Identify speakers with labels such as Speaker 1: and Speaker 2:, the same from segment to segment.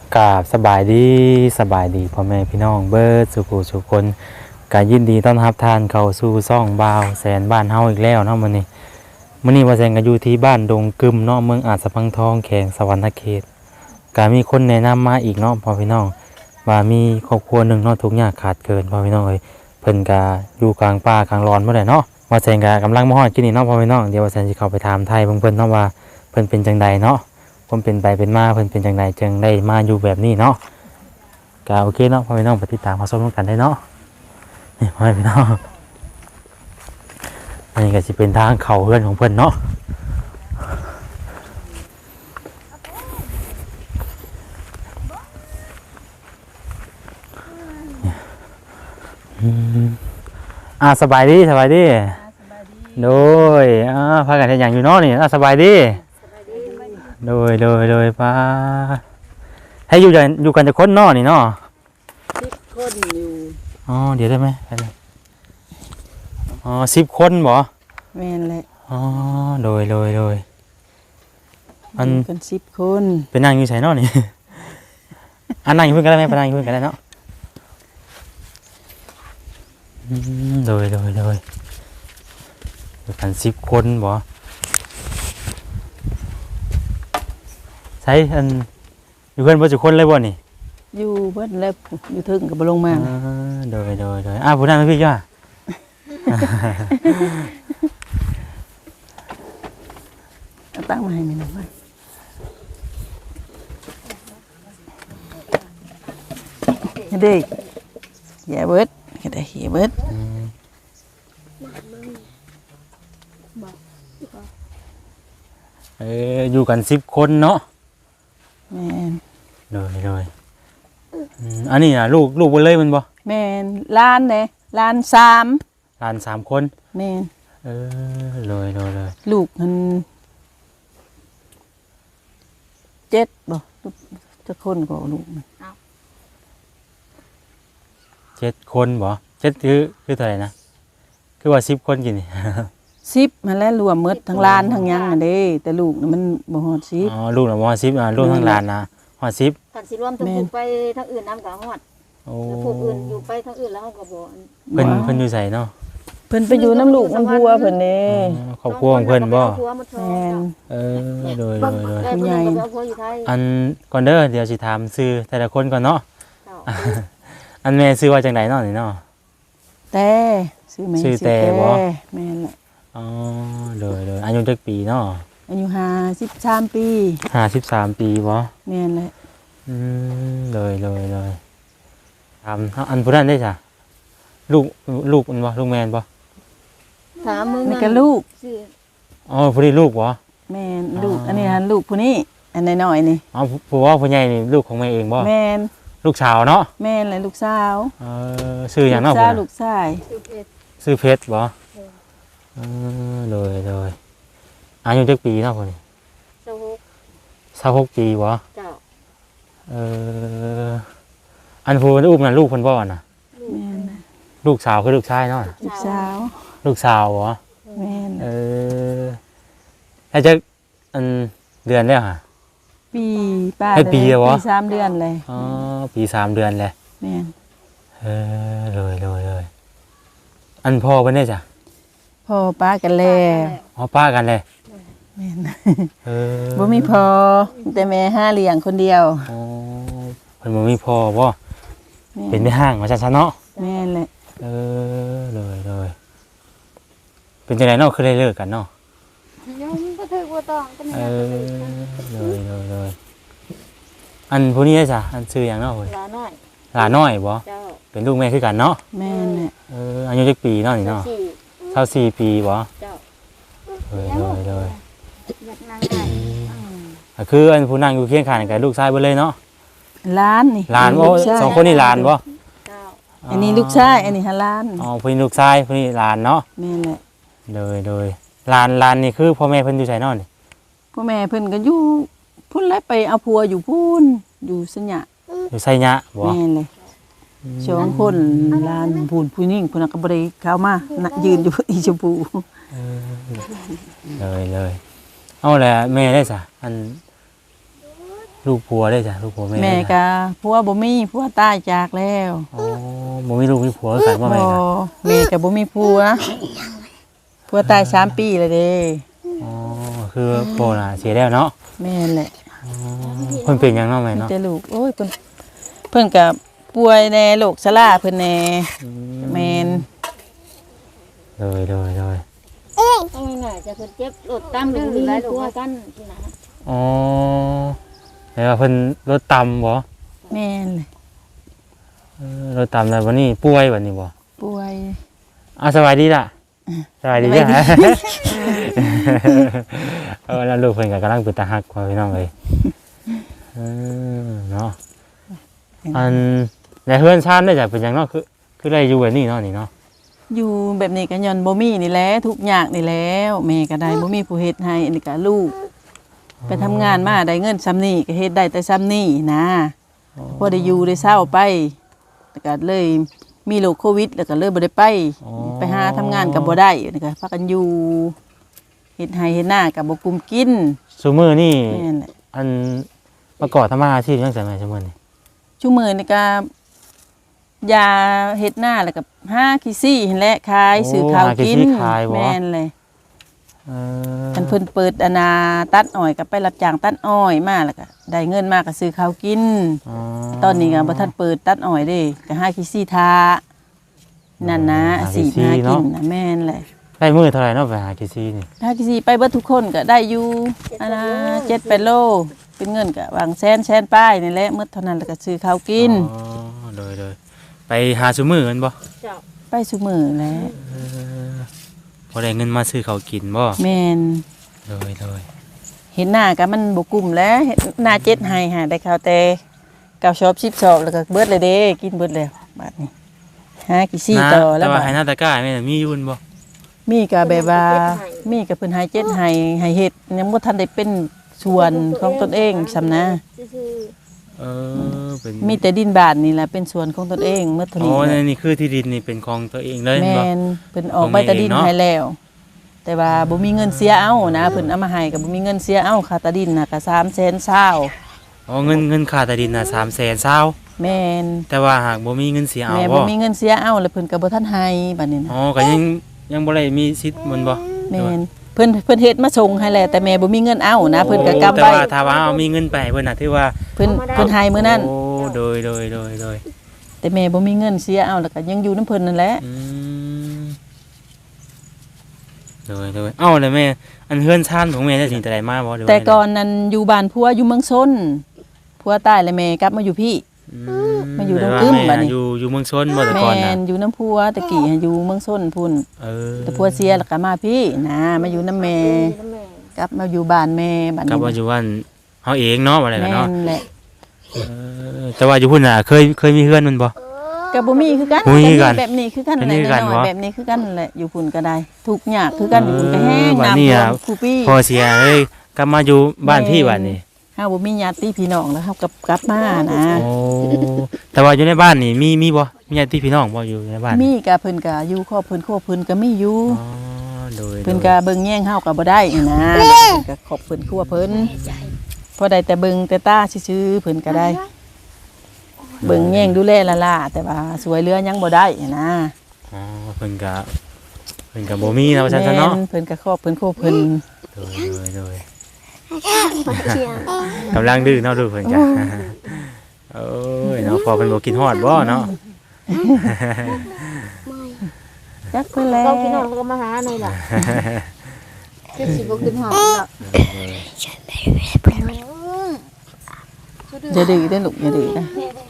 Speaker 1: กราบสบายดีพ่อแม่พี่น้องเบิร์ดสุขุสุคนกายินดีต้อนรับทานเข้าสู่ซ่องบ่าวแสนบ้านเฮาอีกแล้วเนาะมื้อนี้ว่าแสนก็อยู่ที่บ้านดงกึมเนาะเมืองอาจสะพังทองแขวงสวรรณเขตก็มีคนแนะนำมาอีกเนาะพ่อพี่น้องว่ามีครอบครัวหนึงเนาะทุกอย่างขาดเกินพ่อพี่น้องเอ้ยเพิ่นก็อยู่กลางป่ากลางร้อนบ่ได้เนาะว่าแสนก็กำลังมาฮอดกินนี่เนาะพ่อพี่น้องเดี๋ยวว่าแสนสิเข้าไปถามไทยเพิ่นเนาะว่าเพิ่นเป็นจังใดเนาะผมเป็นไปเป็นมาเพิ่นเป็นจังไดจึงได้มาอยู่แบบนี้เนาะก็โอเคเนาะพ่อพี่น้องไปติดตามมาชมกันได้เนาะนี่พ่อพี่น้องอันนี้ก็สิเป็นทางเข้าเฮือนของเพิ่นเนาะสบายดีโดยพากันเฮ็ดหยังอยู่เนาะนี่สบายดีโดยป้าให้อยู่กันจะคนเนาะนี่เนาะ
Speaker 2: 10 คนอยู่
Speaker 1: เดี๋ยวได้ไหม10 คนบ่
Speaker 2: แม่นแหละ
Speaker 1: โดย
Speaker 2: มันกัน10 คน
Speaker 1: เป็นนั่งอยู่ไสเนาะนี่ นั่งอยู่เพิ่นก็ได้ไหมไปนั่งอยู่เพิ่นก็ได้เนาะโดยกัน10 คนบ่ใช้อยู่เพิ่นบ่จุคนเลยบ่นี่
Speaker 2: อยู่เบิดแล้วอยู่ถึงก็บ่ลงมา
Speaker 1: โดยผู้นั้นพี่จ้า
Speaker 2: เอาตั้งมาให้แม่หน่อยเด็กอย่าเบิดก็ได้อย่าเบิด
Speaker 1: อยู่กัน10 คนเนาะ
Speaker 2: แม่น
Speaker 1: โดยอันนี้น่ะลูกเบิ่นเลยมันบ่
Speaker 2: แม่นล้านเด้ล้าน3
Speaker 1: คน
Speaker 2: แม่น
Speaker 1: โดย
Speaker 2: ลูกมัน7บ่จะคนก็ลูกมัน
Speaker 1: 7 คนบ่7คือเท่าไหร่นะคือว่า10 คนกินนี่
Speaker 2: 10มันแล้วรวมหมดทั้งล้านทั้งหยังอันเด้แต่ลูกน่ะมันบ่ฮอด10
Speaker 1: ลูกน่ะบ่ฮอด10รวมทั้งล้านนะฮอด10
Speaker 3: คันสิรวมทั้งผูกไปทั้งอื่นนำก็ฮอดแล้วผูกอื่นอยู่ไปทั้งอื่นแล้วเฮาก็บ่
Speaker 1: เพิ่นอยู่ไสเนาะ
Speaker 2: เพิ่นไปอยู่น้ำลูกน้ำพัวเพิ่นเด้
Speaker 1: ครอบครัวของเพิ่นบ่
Speaker 2: แม่น
Speaker 1: โดย
Speaker 3: ผู้ใหญ่
Speaker 1: อันก่อนเด้อเดี๋ยวสิถามชื่อแต่ละคนก่อนเนาะอันแม่ชื่อว่าจังไดเนาะนี่เนาะ
Speaker 2: แต่ชื่อแต่
Speaker 1: บ่
Speaker 2: แม่นแหละ
Speaker 1: โดยอายุจักปีเนาะ
Speaker 2: อายุ53 ปี
Speaker 1: 53 ปีบ่
Speaker 2: แม่นแหละ
Speaker 1: โดยถามอันผู้นั้นได้จ้ะลูกมันบ่ลูกแม่นบ่
Speaker 3: ถามมึง
Speaker 2: นี่ก็ลูก
Speaker 1: ผู้นี้ลูกบ่
Speaker 2: แม่นลูกอันนี้ลูกผู้นี้อันน้อยๆนี่
Speaker 1: ผู้ว่าผู้ใหญ่นี่ลูกของแม่เองบ่
Speaker 2: แม่น
Speaker 1: ลูกสาวเนาะ
Speaker 2: แม่นแหละลูกสาว
Speaker 1: ชื่อหยังเนาะ
Speaker 2: ลูกชาย
Speaker 1: ชื่อเพชรบ่โดยอายุจักปีเนาะพุ่นนี่26ปีบ่
Speaker 3: เจ้า
Speaker 1: อันผู้อุ้มนั่นลูกเพิ่นบ่น่ะ
Speaker 2: แม่น
Speaker 1: ลูกสาวคือลูกชายเนาะ
Speaker 2: ลูกสาว
Speaker 1: บ่
Speaker 2: แม่น
Speaker 1: แล้วจะอันเดือนแล้วฮะ
Speaker 2: ปีป้า
Speaker 1: ปี
Speaker 2: 3 เดือนเลย
Speaker 1: ปี3 เดือนเลย
Speaker 2: แม่น
Speaker 1: เลยอันพ่อเพิ่นได้จ้ะ
Speaker 2: พ่อป้ากันแล้ว
Speaker 1: ป้ากันเลย
Speaker 2: แม่นบ่มีพ่อแต่แม่หาเลี้ยงคนเดียว
Speaker 1: เพิ่นบ่มีพ่อบ่เป็นแม่ห้างว่าซั่นเนาะ
Speaker 2: แม่นแหละ
Speaker 1: เลยเป็นจังได๋เนาะคือได้เลิกกันเนาะ
Speaker 3: ยังบ่ถึกบ่ต้องก็มี
Speaker 1: เลยอันผู้นี้ได้จ้ะอันชื่อหยังเนาะพุ่นหลาน้อยบ่เจ้าเป็นลูกแม่คือกันเนาะ
Speaker 2: แม่นแหละ
Speaker 1: อายุจักปีเนาะนี่เนาะ24 ปีบ่
Speaker 3: เจ้า
Speaker 1: เลยคืออันผู้นั่งอยู่เคียงข้างกับลูกชายเบิดเลยเนาะ
Speaker 2: หลานนี่
Speaker 1: หลานบ่2คนนี่หลานบ่
Speaker 2: อันนี้ลูกชายอันนี้หลาน
Speaker 1: ผู้นี้ลูกชายผู้นี้หลานเนาะ
Speaker 2: แม่นแหละ
Speaker 1: เลยหลานนี่คือพ่อแม่เพิ่นอยู่ไสเนาะนี่
Speaker 2: พ่อแม่เพิ่นก็อยู่พุ่นแล้วไปเอาผัวอยู่พุ่นอยู่สัญญะ
Speaker 1: อยู่ไสยะบ่
Speaker 2: แม่นเลย2 คนหลานผู้หญิงผู้นั้นก็บ่ได้เข้ามายืนอยู่อีชมพู
Speaker 1: เลยเอาแหละแม่ได้จ้ะอันลูกผัวได้จ้ะลูกผัวแม่
Speaker 2: แม่
Speaker 1: ได้จ้ะ
Speaker 2: ก็ผัวบ่มีผัวตายจากแล้ว
Speaker 1: อ๋อบ่มีลูกมีผัวกันว่าแม่
Speaker 2: บ่
Speaker 1: น่ะ
Speaker 2: แม่ก็บ่มีผัวตาย3 ปีแล้วเด้
Speaker 1: อ๋อคือพ่อน่ะเสียแล้วเนาะ
Speaker 2: แม่นแหละ
Speaker 1: อ๋อเพิ่นเป็นหยังเนาะแม่
Speaker 2: มี
Speaker 1: เนาะ
Speaker 2: แต่ลูกโอ้ยเพิ่นก็ป่วยแน่โรคชราเพิ่นแน่แม่น
Speaker 1: เลย
Speaker 3: ต้องง่ายๆจะเพิ่นเจ็บรถตามหรือมีผัวกันที่นะ
Speaker 1: อ๋อแล้วเพิ่นรถต่ำบ่
Speaker 2: แม่นเลย
Speaker 1: รถต่ำแล้ววันนี้ป่วยวันนี้บ่
Speaker 2: ป่วย
Speaker 1: สบายดีล่ะสบายดีจ้ะ
Speaker 2: สบายดี
Speaker 1: แล้วลูกเพิ่นก็กำลังเป็นตาฮักว่าพี่น้องเอ้ยเนาะอันแล้วเฮือนชานได้จ้ะเป็นหยังเนาะคือได้อยู่แบบนี้เนาะนี่เนาะ
Speaker 2: อยู่แบบนี้ก็ย้อนบ่มีนี่แหละทุกอย่างนี่แล้วแม่ก็ได้บ่มีผู้เฮ็ดให้อันนี้ก็ลูก ไปทำงานมาได้เงินซ้ำนี่ก็เฮ็ดได้แต่ซ้ำนี่นะพอได้อยู่ได้เศร้าไปแล้วก็เลยมีโรคโควิดแล้วก็เลยบ่ได้ไปหาทำงานก็บ่ได้นี่ก็พากันอยู่เฮ็ดให้เฮ็ดหน้าก็บ่กุมกิน
Speaker 1: ซุมื้อนี่
Speaker 2: แม่นแหละ
Speaker 1: อันประกอบทำมาอาชีพจังซั่นแม่ซุมื้อนี่
Speaker 2: ชุมื้อนี่ก็ยาเฮ็ดหน้าแล้วก็หาขี้ซี่หั่นแหละขายซื้อข้าวกินแม่นเลย อันเพิ่นเปิดอนาตัดอ้อยก็ไปรับจ้างตัดอ้อยมาแล้วก็ได้เงินมาก็ซื้อข้าวกิน ตอนนี้ก็บ่ทันเปิดตัดอ้อยเด้ก็หาขี้ซี่ทานั่นนะสีหากินนะแม่นแหละ
Speaker 1: ได้มื้อเท่าไหร่เนาะไปหากิซี่นี่
Speaker 2: ถ้าขี้ซี่ไปเบิดทุกคนก็ได้อยู่อันน่ะ7-8 โลเป็นเงินก็วางแสนป้ายนี่แหละหมดเท่านั้นแล้วก็ซื้อข้าวกิน
Speaker 1: อ๋อโดยไปหาซุมื้อกันบ่
Speaker 3: เจ้า
Speaker 2: ไปซุมื้อแหล้ว
Speaker 1: พอได้เงินมาซื้อข้าวกินบ่
Speaker 2: แม่น
Speaker 1: โดย
Speaker 2: เห็นหน้าก็มันบ่กลุ่มแล้วเห็นหน้า7ให้หาได้ข้าวแต่9ชอบ10ชอบแล้วก็เบิดเลยเด้กินเบิดแล้วบัดนี้หาขี้ซี่ต่อแล้
Speaker 1: แต่
Speaker 2: ว
Speaker 1: ว่า
Speaker 2: บัด
Speaker 1: ให้หน้าตะกร้าแม่น่ะมีอยู่บ่
Speaker 2: มีก็แบบว่ามีก็เพิ่นให้7ให้เฮ็ดยังบ่ทันได้เป็นส่วนของตนเองซำนะ
Speaker 3: ซื่อ
Speaker 1: เป็น
Speaker 2: มีแต่ดินบ้านนี่แหละเป็นส่วนของตนเองเมื่อเท่า
Speaker 1: อ๋อ
Speaker 2: นี้แหละ
Speaker 1: นี่คือที่ดินนี่เป็นของตัวเองเลย
Speaker 2: แม่
Speaker 1: บ่
Speaker 2: นเพิ่นออกใบตะดินให้แล้ว แต่ว่าบ่มีเงินเสียเอานะเพิ่นเอามาให้ก็บ่มีเงินเสียเอาค่าตะดินน่ะก็300,000
Speaker 1: อ๋อเงินค่าใต้ดินน่ะ300,000
Speaker 2: แม่น
Speaker 1: แต่ว่าหากบ่มีเงินเสียเอา
Speaker 2: แม่
Speaker 1: บ่
Speaker 2: บ่มีเงินเสียเอาแล้วเพิ่นก็บ่ทันให้บัดนี้นะ
Speaker 1: อ๋อก็ยังบ่ได้มีสิทธิ์มันบ่
Speaker 2: แม่นเพิ่นเฮ็ดมาส่งให้แล้วแต่แม่บ่มีเงินเอานะเพิ่นก็กำ
Speaker 1: แต่
Speaker 2: ไว้
Speaker 1: ว่าถ้าว่าเอามีเงินไปให้เพิ่นน่ะถือว่า
Speaker 2: เพิ่นให้มื้อนั้น
Speaker 1: โอ้โดย
Speaker 2: แต่แม่บ่มีเงินเสียเอาแล้วก็ยังอยู่นํเพิ่นนั่นแหละ
Speaker 1: อืมโดยเอ้าแล้วแม่อันเฮือนชานของแม่ได้สิแต่ใดมาบ่หรือว่า
Speaker 2: แต่ก่อนนั้นอยู่บ้านผัวอยู่เมืองชนผัวตายแล้วแม่กลับมาอยู่พี่ มาอยู่
Speaker 1: แต่ว่า
Speaker 2: ดงกึ้ม
Speaker 1: แม่
Speaker 2: บัดนี้
Speaker 1: อยู่เมืองชนบ่แต่
Speaker 2: แม่
Speaker 1: ก่อนน่ะ
Speaker 2: นอยู่น้ำพัวตะกี้อยู่เมืองชนพุ่น
Speaker 1: เออ
Speaker 2: แต่พัวเสียแล้วก็มาพี่นะมาอยู่น้ำแม่
Speaker 3: น้ำแม่
Speaker 2: กลับมาอยู่บ้านแม่บ้าน
Speaker 1: กลับ
Speaker 2: นี้
Speaker 1: ว่าอยู่บ้านเฮาเองเนาะว่าอะไรกัน
Speaker 2: แม่
Speaker 1: เนาะ
Speaker 2: นแหละ
Speaker 1: แต่ว่าอยู่พุ่นน่ะเคยมีเฮือนมันบ่
Speaker 2: ก็บ่มีคือกัน
Speaker 1: บ่มีคือกัน
Speaker 2: แบบนี้คือกัน
Speaker 1: แบบ
Speaker 2: แห
Speaker 1: นี้
Speaker 2: ละ
Speaker 1: คือกัน
Speaker 2: น้อย
Speaker 1: บ่
Speaker 2: ๆแบบนี้คือกันแหละอยู่พุ่นก็ได้ทุกอย่างคือกันอยู่พุ่นก็แห้ง
Speaker 1: บัด
Speaker 2: น้ำ
Speaker 1: นี้
Speaker 2: ท่ว
Speaker 1: อะ
Speaker 2: มคูปี้
Speaker 1: พอเสียเลยกลับมาอยู่บ้านพี่บัดนี้
Speaker 2: เฮาบ่มีญาติพี่น้องแล้วเฮากลับมานะ
Speaker 1: โอ้แต่ว่าอยู่ในบ้านนี่มีบ่มีญาติพี่น้องบ่อยู่ในบ้าน
Speaker 2: มีก็เพิ่นก็อยู่ครอบเพิ่นก็มีอยู่
Speaker 1: อ๋อโดย
Speaker 2: เพิ่นก็เบิ่งแย่งเฮาก็บ่ได้นะเพิ่นก็ขอบเพิ่นครัวเพิ่นพอได้แต่เบิ่งแต่ตาซื่อๆเพิ่นก็ได้ เบิ่งแย่งดูแลละล่ะแต่ว่าสวยเรือยังบ่ได้นะ
Speaker 1: อ๋อเพิ่นก็บ่มีนะว่าซั่นซะเนาะ
Speaker 2: แม่เพิ่นก็ครอบเพิ่นโคเพิ่น
Speaker 1: โดยกำลังดื้อเนาะดูเพิ่นจ้ะโอ้ยเนาะพอเพิ่นบ่กินฮอดบ่เนาะ
Speaker 2: จักเพิ่นแล้ว
Speaker 3: เราพี่น้องเราก็มาหาหน่อยล่ะคือสิบ่ขึ้นหอดล่ะ
Speaker 2: อย่าดื้อเด้อลูกอย่าดื้อนะ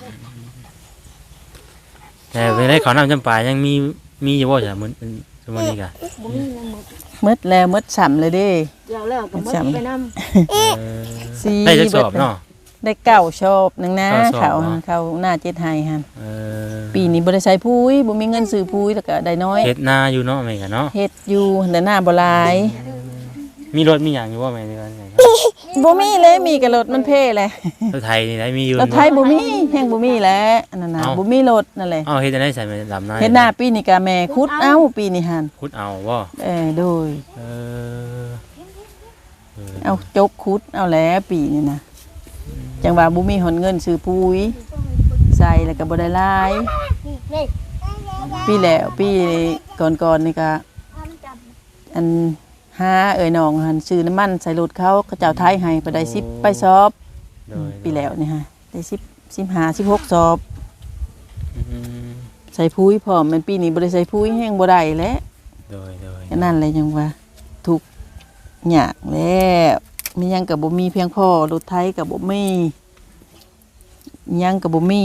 Speaker 1: แต่เวลาเขาวน้ำจำปายังมีอยู่บ่จ้ะมื้อซุมื้อนี้ก็
Speaker 3: บ่มีเงินหมด
Speaker 2: หมดแล้วหมดซ้ำเลยเด้
Speaker 3: เดี๋ยวแล้วก็หมดไปนำ
Speaker 1: เออ
Speaker 2: สี
Speaker 1: ได้จักสอบเนาะ
Speaker 2: ได้เก้าชอบหนึงนะ
Speaker 1: เก้าชอบ
Speaker 2: เขา
Speaker 1: เนาะ
Speaker 2: เขาหน้า7ให้หั่น
Speaker 1: เออ
Speaker 2: ปีนี้บ่ได้ใช้ปุ๋ยบ่มีเงินซื้อปุ๋ยแล้วก็ได้น้อย
Speaker 1: เฮ็ดนาอยู่เนาะแม่ก็เนาะ
Speaker 2: เฮ็ดอยู่แต่หน้าบ่หลาย
Speaker 1: มีรถมีหยังอยู่บ่แม่นี่ก็ไงครับ
Speaker 2: บ่มีเลยมีกับรถมันเพ่เลย
Speaker 1: รถไทยนี่ได้มีอยู่
Speaker 2: รถไทยบ่มีแฮงบ่มีแหล้วอันนั้นน่ะ
Speaker 1: เอ้า
Speaker 2: บ่มีรถนั่นแหละ
Speaker 1: เอ้าเฮ็ดจังได๋ใส่แม่ดำนา
Speaker 2: เฮ็ดหน้าปีนี้ก็แม่ขุดเอาปีนี้หั่น
Speaker 1: ขุดเอาบ่
Speaker 2: โดย
Speaker 1: เออ
Speaker 2: เอาจกขุดเอาแล้วปีนี้นะจังว่าบ่มีหนเงินซื้อปุ๋ยใส่แล้วก็บ่ได้หลายปีแล้วปีก่อนๆนี่ก็อันหาน้องหันซื้อน้ำมันใส่รถเขาเจ้าไทยให้ไปได้10ไปซอบ
Speaker 1: โดย
Speaker 2: ปีแล้วนี่ฮะได้15 16ซอบ
Speaker 1: อืม
Speaker 2: ใส่ปุ๋ยพร้อมมันปีนี้บ่ได้ใส่ปุ๋ยแห้งบ่ได้แล้ว
Speaker 1: โดย
Speaker 2: ก็นั่นแหละจังว่าทุกข์ยากแล้วมีหยังก็บ่มีเพียงพอรถไถก็บ่มีหยังก็บ่มี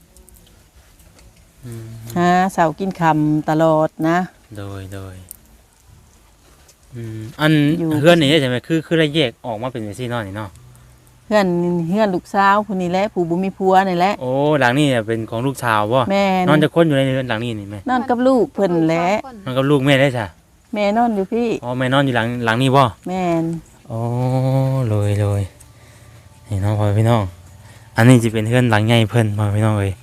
Speaker 1: อืม
Speaker 2: หาเช้ากินค่ำตลอดนะ
Speaker 1: โดยอัน
Speaker 2: อยู่
Speaker 1: เพื่อนนี่ใช่ไหมคือได้แยกออกมาเป็นซี่นอนนี่เนาะ
Speaker 2: เพื่อนลูกสาวผู้นี้แหละผู้บ่มีผัวนี่แหละ
Speaker 1: โอ้หลังนี่เนี่ยเป็นของลูกชาวบ่
Speaker 2: แม่
Speaker 1: นอนจะคนอยู่ในเรือนหลังนี้นี่แม่
Speaker 2: นอนกับลูกเพิ่นแหละ
Speaker 1: นอนกับลูกแม่ได้จ้ะ
Speaker 2: แม่นอนอยู่พี่
Speaker 1: อ๋อแม่นอนอยู่หลังนี้บ่
Speaker 2: แม่น
Speaker 1: อ๋อเลยนี่น้องพ่อพี่น้องอันนี้จะเป็นเพื่อนหลังใหญ่เพิ่นพ่อพี่น้องเอ้ย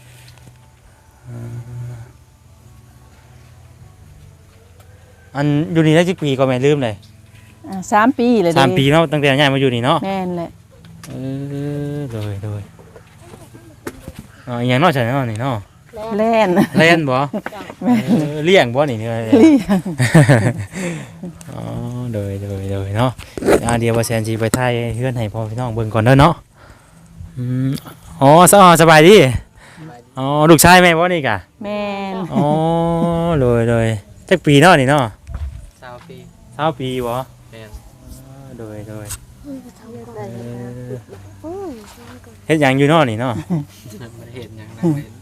Speaker 1: อันอยู่นี่ได้จักปีก็แม่ลืมเลย
Speaker 2: 3 ปีเลยเด้
Speaker 1: 3 ปีเนาะตั้งแต่ย้ายมาอยู่นี่เนาะ
Speaker 2: แม่นแหละ
Speaker 1: เลยอ๋ออหย่างนอกจากนั้นเนาะนี่เนาะ
Speaker 2: แล่น
Speaker 1: เล่นบ่เลี้ยงบ่นี่เนี่ย
Speaker 2: เลี้ยง
Speaker 1: อ๋อเลยเนาะเดี๋ยวว่าแซนสิไปถ่ายเฮือนให้พ่อพี่น้องเบิ่งก่อนเด้อเนาะอ๋อสบายดีอ๋อลูกชายแม่บ่นี่กะ
Speaker 2: แม่น
Speaker 1: อ๋อเลยจักปีเนาะนี่เนาะ
Speaker 4: 20 ปี
Speaker 1: 20ปีบ่
Speaker 4: แม่น
Speaker 1: เลยเฮ็ดหยังอยู่เนาะนี่เนาะ
Speaker 4: บ่ได้เห็นหยังนั่งเล่น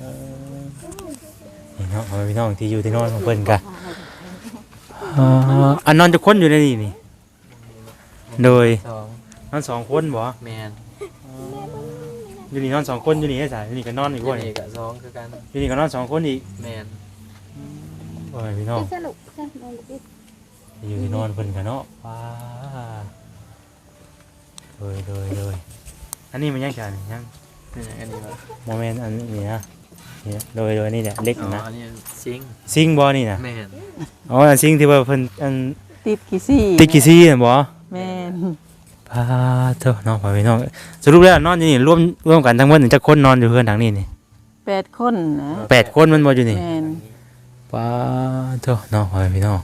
Speaker 1: นี่เนาะพ่อพี่น้องที่อยู่ที่นอนของเพิ่นกะอันนอนจะคนอยู่ในนี่นี่โดย
Speaker 4: สอง
Speaker 1: นอน2คนบ่
Speaker 4: แม่น
Speaker 1: อยู่นี่นอน2คนอยู่นี่ได้จ้ะอยู่นี่ก็นอนอีกบ่
Speaker 4: นี่
Speaker 1: นี่
Speaker 4: ก็สองคือกัน
Speaker 1: อยู่นี่ก็นอน2คนอีก
Speaker 4: แม่น
Speaker 1: โอ้ยพี่น้อง
Speaker 3: สนุกสนุก
Speaker 1: อยู่ที่นอนเพิ่นกันเนาะว้าเลยอันนี้มันยังกันยัง
Speaker 4: นี่อันนี้ว่า
Speaker 1: โมเมนต์อันนี้นะนี่เลยนี่แหละเล็ก
Speaker 4: อ๋อ
Speaker 1: นะ
Speaker 4: อันนี้ซิง
Speaker 1: ซิงบ่นี่นะ
Speaker 4: แม่น
Speaker 1: อ๋ออันซิงที่ว่าเพิ่นอัน
Speaker 2: ติดกี่ซี่
Speaker 1: ติกกี้ซี่น่ะบ่
Speaker 2: แม่น
Speaker 1: พาเถอะน้องพ่อพี่น้องสรุปแล้วนอนอยู่นี่ร่วมกันทั้งหมดจักคนนอนอยู่เฮือนหลังนี้นี่
Speaker 2: 8 คนนะ
Speaker 1: 8คนมันบ่อยู่นี่
Speaker 2: แม่น
Speaker 1: พาเถอะน้องพ่อพี่น้อง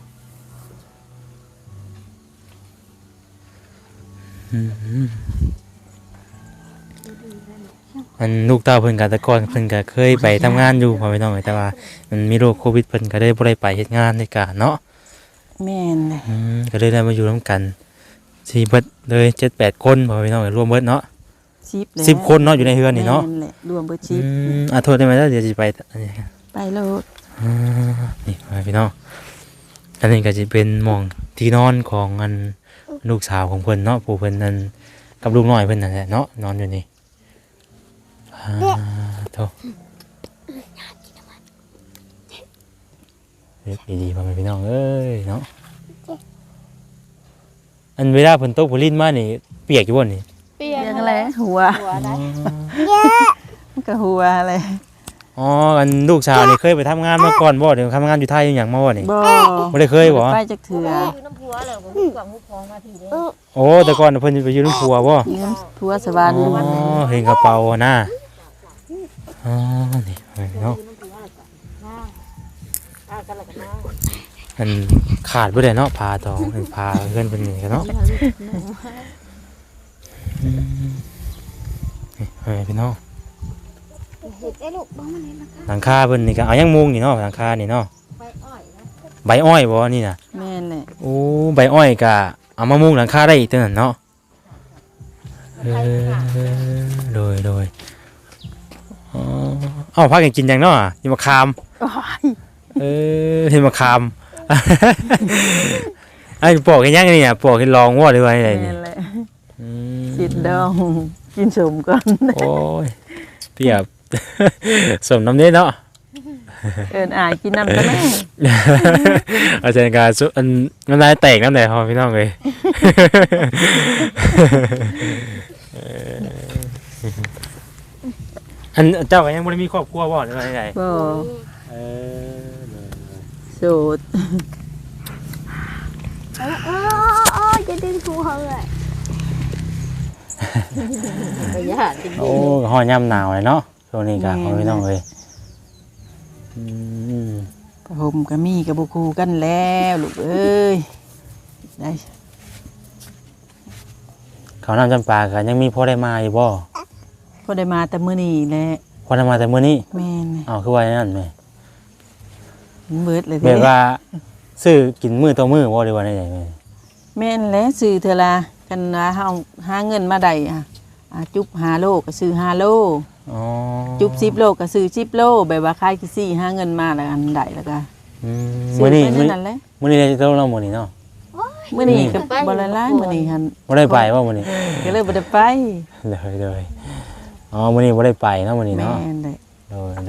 Speaker 1: อันลูกเต้าเพิ่นก็แต่ก่อนเพิ่นก็เคยไปทำงานอยู่พ่อพี่น้องแต่ว่ามันมีโรคโควิดเพิ่นก็เลยบ่ได้ไปเฮ็ดงานในกะเนาะ
Speaker 2: แม่นเลย
Speaker 1: ก็เลยได้มาอยู่ร่วมกันสี่เบิดเลย7-8 คนพ่อพี่น้องรวมเบิดเนาะ
Speaker 2: 10เลย
Speaker 1: 10 คนเนาะอยู่ในเฮือนนี่เนาะ
Speaker 2: แม่แหละรวมเบิด
Speaker 1: โทษได้ไหมเดี๋ยวสิไปอันนี้
Speaker 2: 10ไปโลด
Speaker 1: นี่พ่อพี่น้องอันนี้ก็จะเป็นหม่องที่นอนของอันลูกสาวของเพิ่นเนาะผู้เพิ่นนั่นกับลูกน้อยเพิ่นนั่นแหละเนาะนอนอยู่นี่โทษเรียกดีๆพ่อพี่น้องเอ้ยเนาะอันเวลาเพิ่นตกฝนลิ้นมานี่เปียกอยู่บ่นี่
Speaker 3: เปีย
Speaker 2: เรีย
Speaker 3: ก
Speaker 2: กอะไรหัว
Speaker 3: หัวได้
Speaker 2: มันก็หัวอะไร
Speaker 1: อ๋ออันลูกสาวนี่เคยไปทำงานมาก่อนบ่เดี๋ยวทำงานอยู่ไทยอยู่หยังมาบ่นี่
Speaker 2: บ่
Speaker 1: บ่ได้เคยบ่
Speaker 2: ไปจักเถื่อ
Speaker 3: อยู่น้ำผัวแล้วผมกวางหูพองมาทีเดียว
Speaker 1: โอ้แต่ก่อนเพิ่นไปอยู่นำผัวบ่
Speaker 2: ยืมผัวสวรรค์
Speaker 1: อ๋อเห็นกระเป๋าน่ะอ๋อนี่เนาะอันขาดบ่ได้เนาะพาตองเพิ่นพาเพื่อนเพิ่นนี่กันเนาะนี่พี่น้อง
Speaker 3: เห็ดไอ้ลูกบ้องมันเห็นนะคะ
Speaker 1: หลังคาเพิ่นนี่ก็เอายังมุงนี่เนาะหลังคานี่เนาะ
Speaker 3: ใบอ้อยนะ
Speaker 1: ใบอ้อยบ่นี่น่ะ
Speaker 2: แม่นแหละ
Speaker 1: โอ้ใบอ้อยก็เอามามุงหลังคาได้อีกตัวนั้นเนาะโดยอ๋อเอ้าพากันกินหยังเนาะกินมะขาม
Speaker 2: โอ้ย
Speaker 1: เห็นมะขามไอ้ปอกกันยังนี่อ่ะปอกให้ลองว่าหรือว่าอะไร
Speaker 2: แม่
Speaker 1: นี่
Speaker 2: นแหละสิดดองกินสมก่อน
Speaker 1: โอ้ยเปรียบ สมน้ำเนี้เนาะ
Speaker 2: เอิ้นอายกินน้ำตะแม่
Speaker 1: อาจารย์การสุอันน้ำลายแตกน้ำไหนพอพี่น้องเลยอันเจ้าก็ยังไม่ได้มีครอบครัวบ่หรือว่าไง
Speaker 2: บ่ โสด
Speaker 3: จะดึงหัวเลยก็ย่านจริง
Speaker 1: โอ้ฮ้อนยามหนาวเลยเนาะช่วงนี้ก็พ่อพี่น้องเอ้ยอืม
Speaker 2: ผ้าห่มก็มีกับบ่คู่กันแล้วลูกเอ้ยได้
Speaker 1: เขาวน้ำจำปาก็ยังมีพอได้มาอยู่บ่
Speaker 2: พอได้มาแต่มื้อนี้แหละ
Speaker 1: พอได้มาแต่มื้อนี้
Speaker 2: แม่น
Speaker 1: อ้าวคือว่าอย่างนั้นแม่
Speaker 2: มันเบิดเลย
Speaker 1: แบบว่าซื้อกินมื้อต่อมื้อบ่ได้ว่าได้ไงแม่
Speaker 2: แม่นแหละซื้อเทื่อละกันว่าเฮาหาเงินมาได้จุบ5โลก็ซื้อ5โล
Speaker 1: อ๋อ
Speaker 2: จุบ10โลก็ซื้อ10โลแบบว่าขายกี่ซี่หาเงินมาแล้วกันได้แล้วก็
Speaker 1: อืม
Speaker 2: ซื้
Speaker 1: มื้อนี้
Speaker 2: ไปนั่นแหละ
Speaker 1: มื้อนี้ได้จะต้องเรามื้อนี้เนาะ
Speaker 2: มื้อนี้ก็บ่ละลายมื้อนี้หั่น
Speaker 1: บ่ได้ไปว่ามื้อนี้
Speaker 2: ก็เลยบ่ได้ไป
Speaker 1: เลยอ๋อมื้อนี้บ่ได้ไปเนาะมื้อนี้
Speaker 2: แม่
Speaker 1: เนาะ
Speaker 2: นเลย
Speaker 1: เลย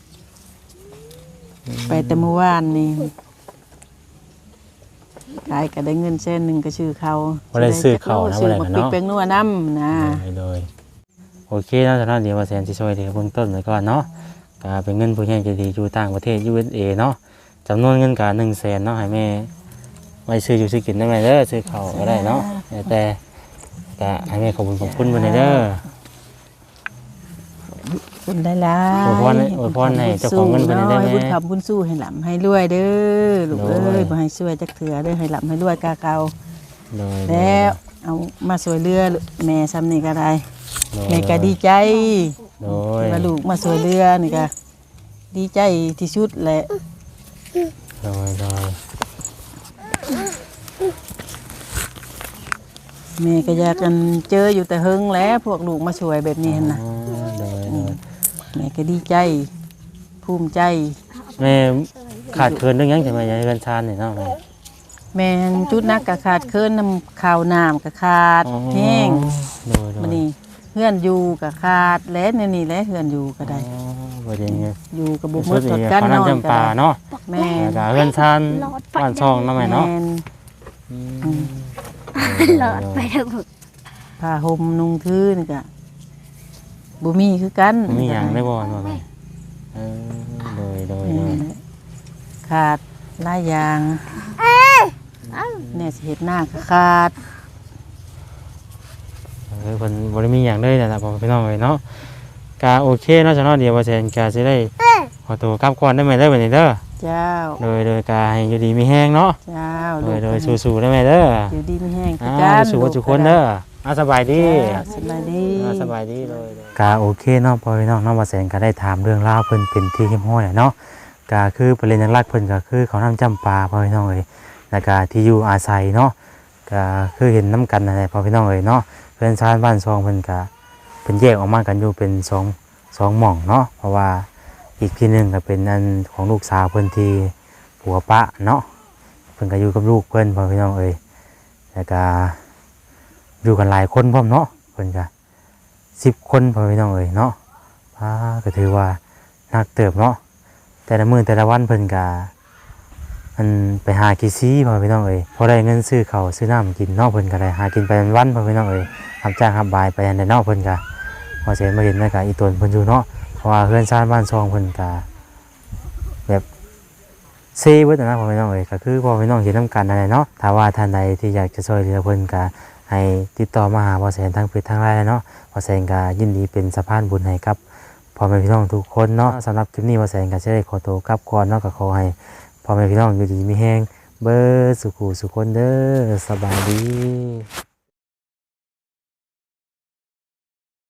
Speaker 2: ไปแต่เมื่อวานนี่ขายก็ได้เงินแสนหนึงก็ชื่อเขา
Speaker 1: บ่ได้ซื้อข้าวนะบ่
Speaker 2: ซื้อ
Speaker 1: ได้
Speaker 2: มา
Speaker 1: กัน
Speaker 2: ปิก
Speaker 1: เนาะ
Speaker 2: แป้งนัวน้ำนะ
Speaker 1: เลยโอเคเนาะสำหรับเดี๋ยวว่าแสนสิช่วยเดี๋ยวเบื้องต้นไว้ก่อนเนาะก็เป็นเงินผู้ใหญ่ใจดีอยู่ต่างประเทศ USA เนาะจำนวนเงินก็100,000เนาะให้แม่ไว้ซื้ออยู่ซื้อกินได้ไหมเด้อซื้อข้าวก็ได้เนาะแต่ก็ให้แม่ขอบคุณเพิ่นเด้อ
Speaker 2: คุณได้ละ
Speaker 1: อวยพรให้เจ้าของเงินเพิ่นได้ไหม
Speaker 2: ให้บุญคำบุญสู้ให้หลำให้รวยเด้อลูก
Speaker 1: โด
Speaker 2: เอ้
Speaker 1: ย
Speaker 2: ยบ่ให้ช่วยจักเถื่อเด้อให้หลำให้รวยกาเก่า
Speaker 1: เลย
Speaker 2: แล้วเอามาสวยเรือแม่ซ้ำนี่ก็ได้
Speaker 1: เลย
Speaker 2: แม่ก็ดีใจ
Speaker 1: โดย
Speaker 2: ว่าลูกมาสวยเรือนี่ก็ดีใจที่สุดแหละ
Speaker 1: โดย
Speaker 2: แม่ก็อยากกันเจออยู่แต่เฮิงแล้วพวกลูกมาสวยแบบนี้หั่นนะ
Speaker 1: โดย
Speaker 2: แม่ก็ดีใจ ภูมิใจ
Speaker 1: แม่ขาดเคินเรื่องหยังจังได๋ยายกันชานนี่เนาะแม่
Speaker 2: แม่นจุดนักกะขาดเคินน้ำข้าวน้ำกะขาดแห้ง
Speaker 1: โดย
Speaker 2: มันนี่เฮือนอยู่กะขาดและนี่แหละเฮือนอยู่ก็ได้
Speaker 1: บ่ได้เงี้ย
Speaker 2: อยู่กับบุก
Speaker 1: สุ
Speaker 2: มื
Speaker 1: ด
Speaker 2: ด
Speaker 1: อี
Speaker 2: ตด
Speaker 1: ก
Speaker 2: กัน
Speaker 1: เขา
Speaker 2: นอน
Speaker 1: นำจำปาเนาะ
Speaker 2: แม่
Speaker 1: แล้วก็เฮือนชานบ้านช่องเนาะแม่เนาะ
Speaker 2: แม่น
Speaker 3: หลอดไปทั้งหมด
Speaker 2: ผ้าห่มนุ่งทื่นกะบ่มีคือกัน
Speaker 1: มีหยังได้บ่เนาะแม่โดย
Speaker 2: นี่แหละขาดหลายอย่างเนี่ยสิเฮ็ดหน้าก็ขาด
Speaker 1: เพิ่นบ่ได้มีหยังเลยนั่นล่ะพ่อพี่น้องเอ้ยเนาะก็โอเคเนาะจ้ะเนาะเดี๋ยวว่าแซนก็สิได้ขอตัวกลับก่อนได้ไหมเด้อบัดนี้เด้อ
Speaker 2: เจ้า
Speaker 1: โดยก็ให้อยู่ดีมีแฮงเนาะ
Speaker 2: เจ้า
Speaker 1: โดยสู้ๆได้ไหมเด้อ
Speaker 2: อยู่ดีมีแห้งคือ
Speaker 1: อ่า
Speaker 2: กัน
Speaker 1: สู้ๆทุกคนเด้อสบายดี
Speaker 2: สบายดี
Speaker 1: สบายดีเลยก็โอเคเนาะพอพี่น้องเนาะว่าแสนก็ได้ถามเรื่องราวเพิ่นเป็นที่เข้มข้นเนาะก็คือประเด็นหลักๆเพิ่นก็คือเขานำจำปาพอพี่น้องเอ้ยแล้วก็ที่อยู่อาศัยเนาะก็คือเห็นน้ำกันนั่นแหละพอพี่น้องเอ้ยเนาะเพิ่นชานบ้านซองเพิ่นก็เพิ่นแยกออกมากันอยู่เป็นสองหม่องเนาะเพราะว่าอีกที่หนึงก็เป็นอันของลูกสาวเพิ่นที่ผัวปะเนาะเพิ่นก็อยู่กับลูกเพิ่นพอพี่น้องเอ้ยแล้วก็อยู่กันหลายคนพร้อมเนาะเพิ่นก็10 คนพอพี่น้องเอ้ยเนาะก็ถือว่านักเติบเนาะแต่ละมื้อแต่ละวันเพิ่นก็มันไปหากิซี่พอพี่น้องเอ้ยพอได้เงินซื้อข้าวซื้อน้ำกินเนาะเพิ่นก็ได้หากินไปวันๆพอพี่น้องเอ้ยรับจ้างรับบายไปอันใดเนาะเพิ่นก็พอเสร็จมาเห็นแล้วก็อีตนเพิ่นอยู่เนาะเพราะว่าเพื่อนชาติบ้านซองเพิ่นก็แบบเซ่เบิดนะพอพี่น้องเอ้ยก็คือพอพี่น้องเห็นนํกันนั่นแหละเนาะถ้าว่าท่านใดที่อยากจะช่วยเหลือเพิ่นก็ให้ติดต่อมาหาพอแสนทางเพจทางไลน์เนาะพอแสนก็ยินดีเป็นสะพานบุญให้กับพ่อแม่พี่น้องทุกคนเนาะสำหรับคลิปนี้พอแสนก็จะได้ขอตัวกลับก่อนเนาะก็ขอให้พ่อแม่พี่น้องอยู่ดีมีแฮงเบิดสุขสุขคนเด้อสบายดี